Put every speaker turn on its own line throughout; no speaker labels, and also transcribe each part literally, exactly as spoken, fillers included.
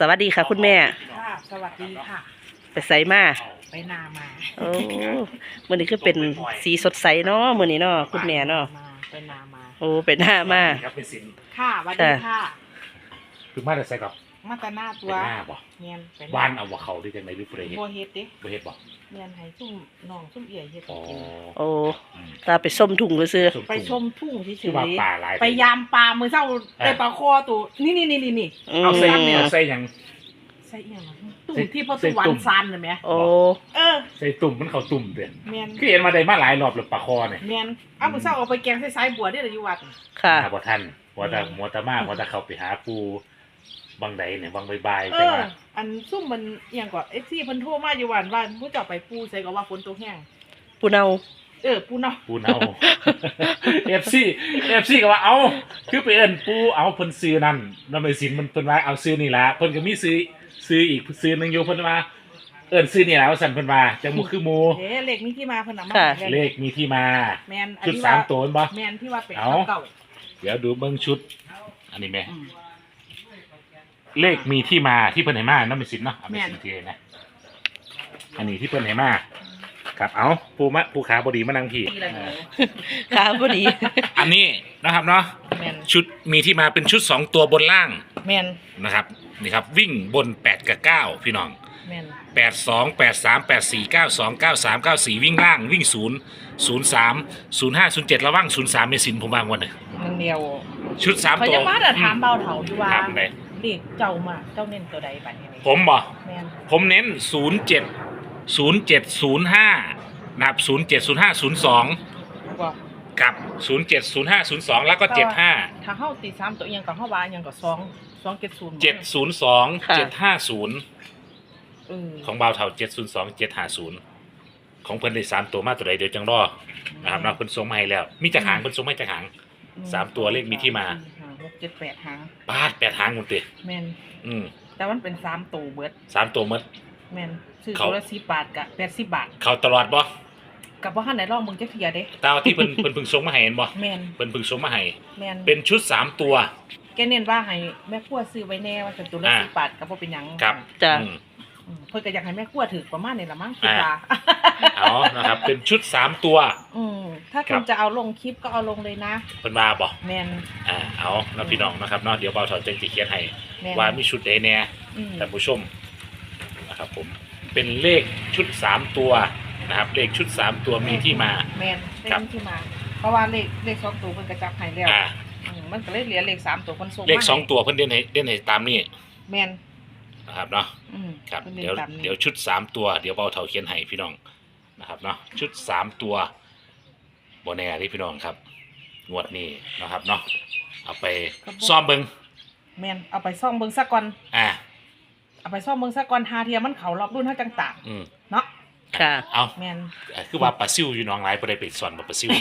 สวัสดีค่ะคุณแม่
ค่ะสวัสดีค่ะ
ไปใส่มา
ไปนามา
โอ้มื้อนี้คือเป็นสีสดใสเนาะมื้อนี้เนาะคุณแม่เนาะ
ไปนามา
โอ้ไปหน้ามา
ครับเป็นสิน
ค่ะสวัสดีค่ะ
คือมาแต่ใส่กับ
มาแต่หน้าตัว
หน้าบ่
เงียนเป็น
บ้านเอาว่าเขาที่จังได๋หรือเปรย์
บ่เฮ็ดดิ
บ่เฮ็ดบ่
เงียนให้ซุ่มน้องซุ่มเอี่ยเฮ็ด
อ๋อ
กิน
โอ้ตาไปส้มถุงซื่อ
ไปชมทุ่งเฉ
คือย ว่าป่าหลาย
ๆไปยามปลามื้อเช้าได้ปลาคอตัวนี่นี่นี่นี่
เอาใส่เนี่ยใส่หยัง
ใส่อีหยังตุ่มที่พ่อสวรรค์ซันน่ะแม่
โอ้
เออ
ใส่ตุ่มมันเข้าตุ่มเด้อ
แม่น
คือเห็นมาได้มาหลายรอบแล้วปลาคอเนี่ย
แม่นเอามื้อเช้าเอาไปแกงใส่สายบัวเด้ออยู่วัด
ค่ะ
บ่ทันบ่ตาบ่ตามาบ่ตาเข้าไปหาปูบางใดเนี่ยบางบ่ายๆ
เอ
จัง
อ
ว่า
อันซุ่มมันอหย่างก่อน เอฟ ซี เพิ่นโทรมาอยู่วันว่าผู้เจ้าไปปูใส่ก็ว่าฝนตกแห้ง
ปูเนา
เออปูเนาะ
ปูเนา เอฟ ซี เอฟ ซี ก็ว่าเอ้าคือไปเอิ้นปูเอาเพิ่นซื้อนั่นนำไปสินมันเพิ่นว่าเอาซื้อนี่ล่ะเพิ่นก็มีซื้อซื้ออีกซื้อนึงอยู่เพิ่นว่าเอิ้นซื้อนี่ล่ะว่าซั่นเพิ่นว่าจังบ่คือหมู่
เด้เลขนี้ที่มาเพิ่นเอามาให้
เลขมีที่มา
แม่นอัน
ชุด
ที่
สา
ว่าม
ตัวแม่นบ่
แม่นที่ว่าเป็น
เอา
เก่า
เดี๋ยวดูเบิ่งชุด อันนี้แม่
ๆอืม
เลขมีที่มาที่เพิ่นให้มานำไปสินเนาะเอาไปสินที่นะอันนี้ที่เพิ่นให้มาครับเอาปูมะปูขาบ่ดีมานั่งพี่
ปีละหนู
ค่ะพอดี
อันนี้นะครับเนาะ
แม่น
ชุดมีที่มาเป็นชุดสองตัวบนล่าง
แม่น
นะครับนี่ครับวิ่งบนแปดกับเก้าพี่น้อง
แม่น
แปดสองแปดสามแปดสี่เก้าสองเก้าสามเก้าสี่วิ่งล่างวิ่งศูนย์ศูนย์สามศูนย์ห้าศูนย์เจ็ดระว่างศูนย์สามในสินผมวางวันเลย
มันเดียว
ชุดสาม
เขา
ตัว
จะมาแต่ถามเบาเถาอยู่ว่า
ถามไหน
เลขเจ้ามาเจ้าเน้นตัวใดบัดนี้
ผมบ่
แม่น
ผมเน้นศูนย์เจ็ดศูนย์เจ็ดศูนย์ห้านะครับศูนย์เจ็ดศูนย์ห้าศูนย์สอง
บ่
กับศูนย์เจ็ดศูนย์ห้าศูนย์สองแล้วก็เจ็ดห้า
ถ้าเฮาตีสามตัวอีหยังก็เฮาว่าอีหยังก็สอง สองเจ็ดศูนย์
เจ็ดศูนย์สองเจ็ดห้าศูนย์
เออ
ของบ่าวเท่าเจ็ดศูนย์สองเจ็ดห้าศูนย์ของเพิ่นได้สามตัวมาตัวใดเดี๋ยวจังรอนะครับเนาะเพิ่นส่งมาให้แล้ว มีจักหางเพิ่นส่งมาให้จักหาง สามตัวเลขมีที่มา
ห้หกเจ็ดแปดหาง
ปาดแปดหางหมดติ
แม่น
อืม
แต่มันเป็นสามตัวเบิด
สามตัวหมด
แม่นซื้อ
เขา
ตัวละสิบบาทกับแปดสิบบาท
เข้าตลอดบ่
กับว่าหันไหนลองมึงจะเทียเด้
ตามที่เพิ่น เพิ่นเพิ่งส่งมาให้เห็นบ่
แม่น
เพิ่นเพิ่งส่งมาให้
แม่น
เป็นชุดสามตัว
แกเน้นว่าให้แม่ครัวซื้อไว้แน่ว่าจะตัวละ
อ่า
สิบบาทกับบ่เป็นหยัง
ครับ
จ้ะ
อืม
อืมเพิ่นก็อยากให้แม่ครัวถือประมาณนี้ละมั้งคิด
อ่า
ว่า
เอานะครับ เป็นชุดสามตัว
อืมถ้า
ครั
คุ
บ
ณจะเอาลงคลิปก็เอาลงเลยนะ
เพิ่นมาบ่
แม่น
อ่าเอาเนาะพี่น้องนะครับเนาะเดี๋ยวบ่าวเฒ่าจะเขียนให้
แม่น
ว่ามีชุดใดแน่
อืม
ท่านผู้ชมนะครับผมเป็นเลขชุดสามตัวนะครับ เลขชุดสามตัวมีที่มา
แม่นเล
ครั
ข
บ
ที่มา เพราะว่าเลขเลขสองตัวเพิ่นก็จับให้แล้ว
อ่า
อืมมันก็เลยเหลือเลขสามตัวเพิ่นส่งมา
เลขสอง
ให้
ตัวเพิ่นเด่นให้เด่นให้ตามนี้
แม่น
นะครับเนาะ
อืม
ครับ
พิ่น
เดี๋ยว
ตามนี้
เดี๋ยวชุดสามตัวเดี๋ยวเบาเท่าเขียนให้พี่น้องนะครับเนาะชุดสามตัวโบแน่ที่พี่น้องครับงวดนี้นะครับเนาะเอาไปซ่อมเบิง
แม่นเอาไปซ่อมเบิ่งซะก่อน
อ่า
เอาไปซ่อมเบิ่งซะก่อนหาเทียมันเข้ารอบรุ่นเฮาจังตาม
อืม
เนาะ
ค่ะ
เอา
แม่น
อ่ะคือว่าปลาซิวอยู่หน้องหลายบ่ได้ไปสอนบ่ปลาซิว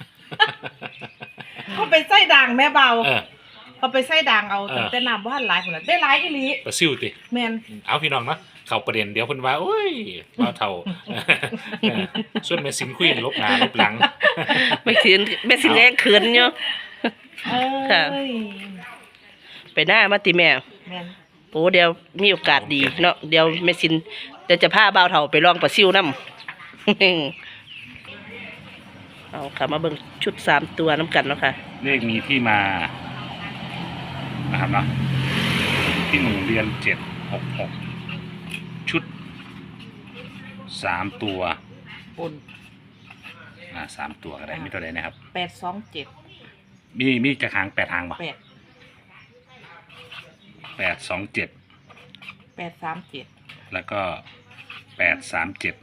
เขาไปไส้ด่างแม่เบา
เออ
เขาไปไส้ด่างเอา
เออ
ตั้งแต่น้ำบ่ทันหลายพุ่นน่ะได้หลายอีหลี
ปลาซิวติ
แม่น
เอาพี่น้องเนาะเข้าประเด็นเดี๋ยวเพิ่นว่าโอ้ยเบาเท่า เออส่วนแม่สินคุยลบหน้าลบหลัง
ไม่สินไม่สินแรงเขินอยู่
เอ้
ค่ะ
ย
ไปหน้ามาติแม่
แม่น
โอ้เดี๋ยวมีโอกาสดีเนาะเดี๋ยวแม่สินเดี๋ยวจะพาบ่าวเฒ่าไปลองปลาซิวน้ำ เอาค่ะมาเบิ่งชุดสามตัวน้ำกันเนาะค่ะ
เลขมีที่มานะครับเนาะที่หนึ่งเรียนเจ็ดหกหกชุดสามตัว
ปุ่น
อ่าสามตัวอะไรมีตัวใดนะครับ
แปดสองเจ็ด
มีมีจะหางแปดหางป่ะ
แปด
แปดสองเจ็ด
แปดสามเจ็ด
แล้วก็แปดสามเจ็ด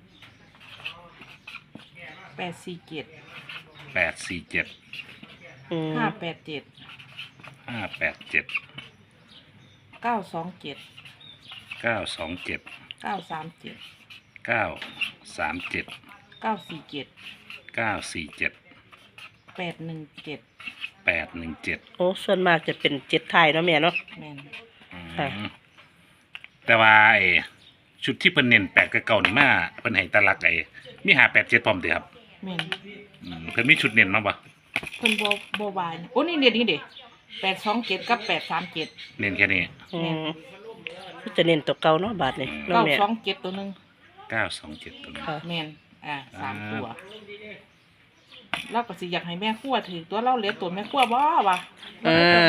แปดสี่เจ็ด
แปดสี่เจ็ด
อืม
ห้าแปดเจ็ด
ห้าแปดเจ็ด
เก้าสองเจ็ด
เก้าสองเจ็ด
เก้าสามเจ็ด
เก้าสามเจ็ด
เก้าสี่เจ็ด
เก้าสี่เจ็ด
แปดหนึ่งเจ็ด
แปดหนึ่งเจ็ด
โอ้ส่วนมากจะเป็นเจ็ดไทยเนาะแม่เนาะ
แม่น
ค่ะ
แต่ว่าไอ้ชุดที่เพิ่นเน้นแปดกับเก่านี่มาเพิ่นให้ตะลักไอ้มีหาแปดเจ็ดพร้อมเด้อครับ
แม่น
อืมเพิ่นมีชุดเน้นมาบ่
เพิ่นบ่บ่บายนะโอ้นี่เด็ดนี่เด็แปดสองเจ็ดกับแปดสามเจ็ด
เน้นแค่นี้
อืมจะเน้นตัวเก่าเนาะบาทนี่เนาะ
เก้า
แม่
สองเจ็ดตัวหนึง
เก้าสองเจ็ดตัวนี้
ค่ะ
แม่นอ่าสาม
อ่า
ตัวเราก็สิอยากให้แม่ครัวถือตัวเราเหลือตัวแม่ครัวบ่วะ
เออ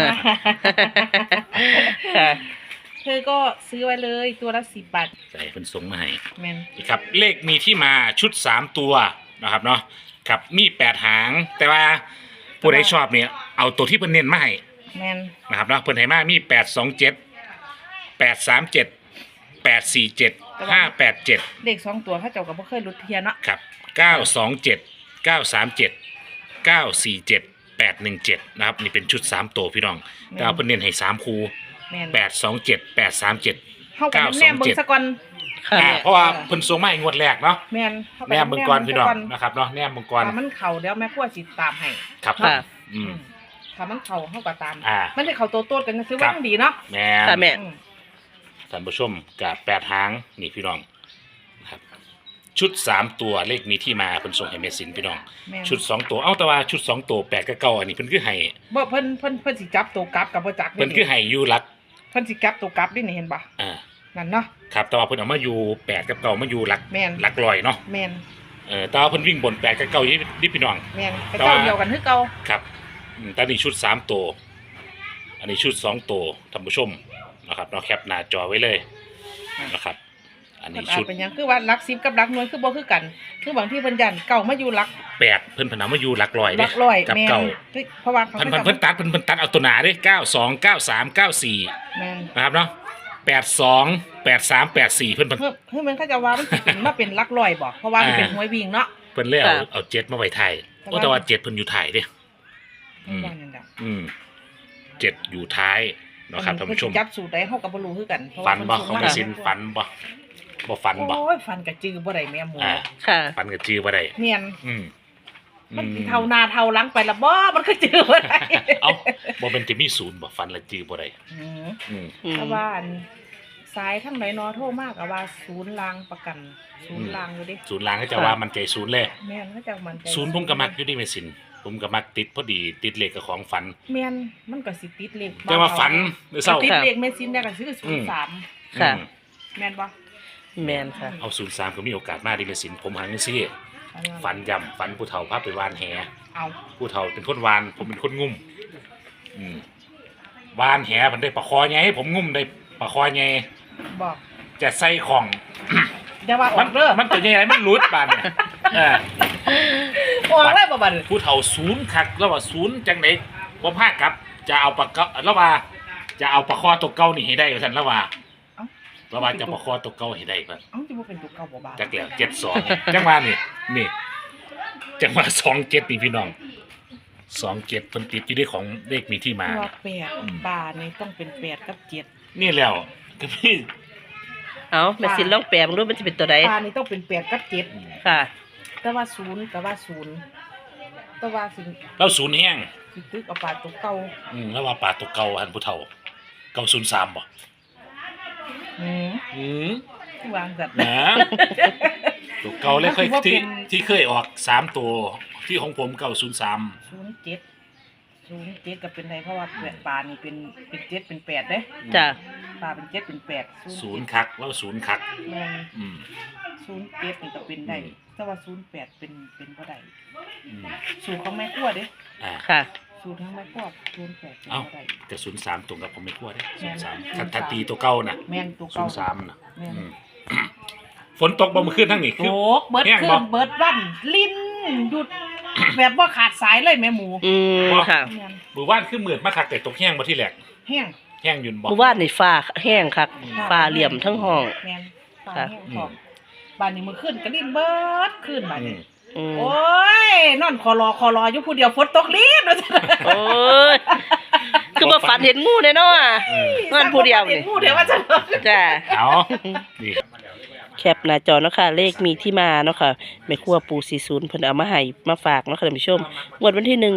ค่ะ
เธอก็ซื้อไว้เลยตัวละสิบบาท
ใส่เป็นส่งมาให้
แม่น
นี่ครับเลขมีที่มาชุดสามตัวนะครับเนาะครับมีแปดหาง แต่ว่าผู้ใดชอบเนี่ยเอาตัวที่เพิ่นเน้นมาให้
แม่น
นะครับเนาะเพิ่นให้มามีแปดสองเจ็ดแปดสามเจ็ดแปดสี่เจ็ดห้าแปดเจ็ด
เลขสองตัวเขาเจ้าก็บ่เคยหลุดเทียเนาะ
ครับเก้าสองเจ็ดเก้าสามเจ็ดเก้าสี่เจ็ดแปดหนึ่งเจ็ดนะครับนี่เป็นชุดสามตัวพี่น้องแต่เอาเพิ่นเน้นให้สามคู่
แม่น
แปดสองเจ็ดแปดสามเจ็ด
เฮาก็แนมเบิ่งซะก่อน
ค่ะ
อ่า
แม่
เพราะว่าเพิ่นส่งมาให้งวดแรกเนาะ
แม่นเฮาก็
แนมเบิ่งก่อนพี่น้องนะครับเนาะแนมเบิ่งก่อน
ถ้ามันเข้าเดี๋ยวแม่ครัวสิตามให้
ครับ
ค่ะ
อืม
ถ้ามันเข้าเฮาก็ตาม
อ่า
มันได้เข้าโตๆกันซื้อ
ครั
ว่า
บ
จังดีเนาะ
แม่
ค่ะแม่
อืม
ท่านผู้ชมกับแปดหางนี่พี่น้องครับชุดสามตัวเลขมีที่มาเพิ่นส่งให้เมสินพี่น้อง
แม่น
ชุดสองตัวเอ้าแต่ว่าชุดสองตัวแปดกับเก้าอันนี้เพิ่นคือให้
บ่เพิ่นเพิ่นเพิ่นสิจับตัวกลับกับบ่จัก
เพิ่นคือให้อยู่หลัก
เพิ่นสิจับตัวกลับนี่เห็นบ่
อ่า
นั่นเนาะ
ครับแต่ว่าเพิ่นเอามาอยู่แปดกับเก้ามาอยู่หลัก
แม่น
หลักลอยเนาะ
แม่น
เออแต่ว่าเพิ่นวิ่งบนแปดกับเก้านี่นี่พี่น้อง
แม่นไป
แต่
เจ้า
ว่า
เดียวกันคือเก่า
ครับอืมแต่นี่ชุดสามตัวอันนี้ชุดสองตัวท่านผู้ชมนะครับเนาะแคปหน้าจอไว้เลยนะครับ อัน
เพิ่
นี้
นอาจ
ชุด
เป็นหยังคือว่าหลักสิบกับหลักหน่วยคือบ่คือกัน คือบางที่เพิ่นยันเก่ามาอยู่หลัก
แปดเพิ่นเพนเอามาอยู่หลักลอย
ห
เด้
ลักร้อย
กับ
แม่น
เก้า
เพราะว่าเขา
เพิ่น
ก็
เพิ่นเพิ่นตัดเพิ่นเพิ่นตัดเอาตัวหนาเด้เก้าสองเก้าสามเก้าสี่
แม่น
นะครับเนาะแปดสองแปดสามแปดสี่เพิ่นเพิ่น
เพิ่นเพิ่นมันเขาจะว่ามันสิเป็นมาเป็นหลักร้อยบ่เพราะว่ามันเป็นหวยวิ่งเนาะ
เพิ่นเลยเอา
ค่ะ
เอาเจ็ดมาไว้ไทย
แต่
โอ้
ว่า
แต่ว่าเจ็ดเพิ่นอยู่ไทยเด้ อืม
ว่านั่นดอก
อืมเจ็ดอยู่ท้ายเนาะครับท่านผู้ชม
เพิ่นสิจับสูตรได้เฮาก็บ่รู้คือกันเพราะ
ฝั
ว่าน เพิ่
บ่
ส่ง
เขา
มา
ไม่สินฝันบ่บ่ฝันบ่
โอ้ยฟันกะจือบ่ได้แม่หมู
อ่า
ค่ะ
ฝันกับจือบ่ได้
เนียน
อืม
มัน
อื
สิเท่าหน้าเท่าหลังไปละบ่มันก็จือบ่ได้
เอ้าบ่เป็นจะมีศูนย์บ่ฝันและจือบ่ได้
อืม
อืม
อืม
เพราะว่าอันสายทั้งไหนนอโทรมากอะว่าศูนย์รางประกัน ศูนย์รางอยู่ดิ
ศูนย์ล้างก็จะว่ามันใจศูนย์เลย
แม่นเขาจะมันใจ
ศูนย์ผมก็มักอยู่ดีแม่สินผมก็มักติดพอดีติดเลขกับของฝัน
แม่นมันก็สิติดเลข
แต่ว่าฝันหรือเศร้า
ติดเลขแม่ซินได้ก็ซื้อศูนย์สาม
ค่ะ
อืม
แม่นบ่
แมนค่ะ
เอาศูนย์สามก็มีโอกาสมากดีแม่สินผมหันซี่ฝันย่ำฝันผู้เฒ่าพาไปวานแห
เอา
ผู้เฒ่าเป็นคนวานผมเป็นคนงุ่มอืมวานแหมันได้ปลาคอไงให้ผมงุ่มได้ปลาคอไง
บอก
จะใส่ของ
อย่าว่าอ
มั
อน กเด้อ
มันตัวใหญ่มันหลุดบานเนี่ยเออ
ออกเลยบ่บัดนี้
ผู้เฒ่าศูนย์คักแล้วว่าศูนย์จังไหนผมพาครับ จะเอาปลาเกาแล้วว่า จะเอาปลาคอตัวเก่านี่ให้ได้ท่าซั่นแล้วว่า
เอ้า
แล้วว่าจะปลาคอตัวเก่าให้ได้เพิ่น
เอ้าจะบ่เป็นตัวเก่าบ่บาด
จักแล้วเจ็ดสองจังหวะนี่นี่จังหวะสองเจ็ดนี่พี่น้องสองเจ็ดเพิ่นติดอยู่ในของเลขมีที่มา
ว่าแปดบาทนี่ต้องเป็นแปดกับเจ็ด
นี่แล้วก็พี่
เอาแม่สินลองแปลมึงดูมันจะเป็นตัวใด
ปลานี่ต้องเป็นแปดกับเจ็ด
ค่ะ
แต่ว่าศูนย์แต่ว่าศูนย์แต่ว่าสิ
เราศูนย์แห้ง
สิตึกเอาปลาตัวเก่า
อืมแล้วว่าปลาตัวเก่าหันผู้เฒ่าเก่าศูนย์สามบ่
อืม
อืม
วางสัตว์
นะตัวเก่าเลยเคย
ว่าเป็น
ที่ที่เคยออกสามตัวที่ของผมเก่าศูนย์สาม
ศูนย์เจ็ดศูนย์เจ็ดก็เป็นไรเพราะว่าแปดปลานี่เป็นเป็นเจ็ดเป็นแปดเด้
จ้ะ
ปลาเป็นเจ็ดเป็นแปด
ศูนย์คักแล้วศูนย์คัก
แม่น
อืม
ศูนย์เจ็ดนี่ก็เป็นได้
อืม
แต่ว่าศูนย์แปดเป็นเป็นบ่ได้
อืม
สูตรของแม่ขั้วเด้
อ่า
ค่ะ
สูตรของแม่ขั้วศูนย์แปดเป็น
เอ้า
บ่ได้
แต่ศูนย์สามตรงกับผมไม่กลัวได้
แม่
ศูน
น
ย์สามถ้าถ้าตีตัวเก่าน่ะ
แม่นตัว
ศู
เก่าน
ย์สามน่ะ
แม่น
อืม ฝนตกบ่เมื่อคืนทั้งนี้คือ
โอ้เบิด
แห้ง
ขึ้
บ่
นเบิดวันลิ้นหยุด แบบว่าขาดสายเลยแม่หมู
อืมค่ะ
แม่น
มือว่านคือมืดมาคักแต่ตกแห้งบ่ที่แรก
แห้ง
แห้งอยืนบ่
เมื่อวานนี่ฟ้าแห้งคักฟ้าเหลี่ยมทั้งห้อง
แม่นฟ้า
ค่ะ
แห้งพร้อมบ้านนี้มื้อคืนก็ลิ้นเบิดขึ้นบ้าน
อื
นี้
ม
อืม
โอ้ยนอนคอรอคอรออยู่ผู้เดียวฝนตกลิ้นว่าซั่น
โอ้ยคือว่าฝันเห็นงูแน่เนาะ
เออ
นอนผู้เดียว
เห็
นี่
นผู้เดียวว่าซั่น
จ้ะ
เอานี่
แคปหน้าจอเนาะค่ะเลขมีที่มาเนาะค่ะแม่ครัวปูสี่ศูนย์เพิ่นเอามาให้มาฝากเนาะค่ะท่านผู้ชมงวดวันที่หนึ่ง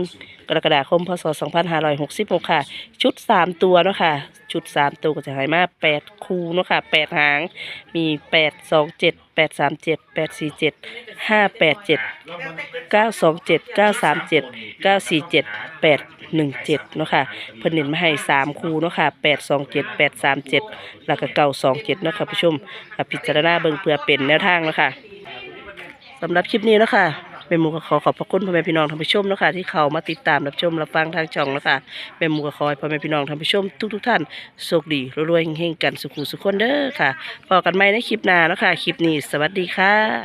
กรกฎาคมพศสองพันห้าร้อยหกสิบหกค่ะชุดสามตัวเนาะค่ะชุดสามตัวก็จะให้มาแปดคู่เนาะค่ะแปดหางมีแปดสองเจ็ดแปดสามเจ็ดแปดสี่เจ็ดห้าแปดเจ็ดเก้าสองเจ็ดเก้าสามเจ็ดเก้าสี่เจ็ดแปดหนึ่งเจ็ดเนาะค่ะเพิ่นเน้นมาให้สามคู่เนาะค่ะแปดสองเจ็ดแปดสามเจ็ดแล้วก็เก้าสองเจ็ดเนาะค่ะผู้ชมค่ะพิจารณาเบิ่งเพื่อเป็นแนวทางเนาะค่ะสำหรับคลิปนี้เนาะค่ะแม่หมูก็ขอขอบพระคุณพ่อแม่พี่น้องท่านผู้ชมเนาะค่ะที่เข้ามาติดตามรับชมรับฟังทางช่องเนาะค่ะแม่หมูก็ขอให้พ่อแม่พี่น้องท่านผู้ชมทุกๆท่านโชคดีรวยๆเฮงๆกันสุขุสุขคนเด้อค่ะพบกันใหม่ในคลิปหน้าเนาะค่ะคลิปนี้สวัสดีค่ะ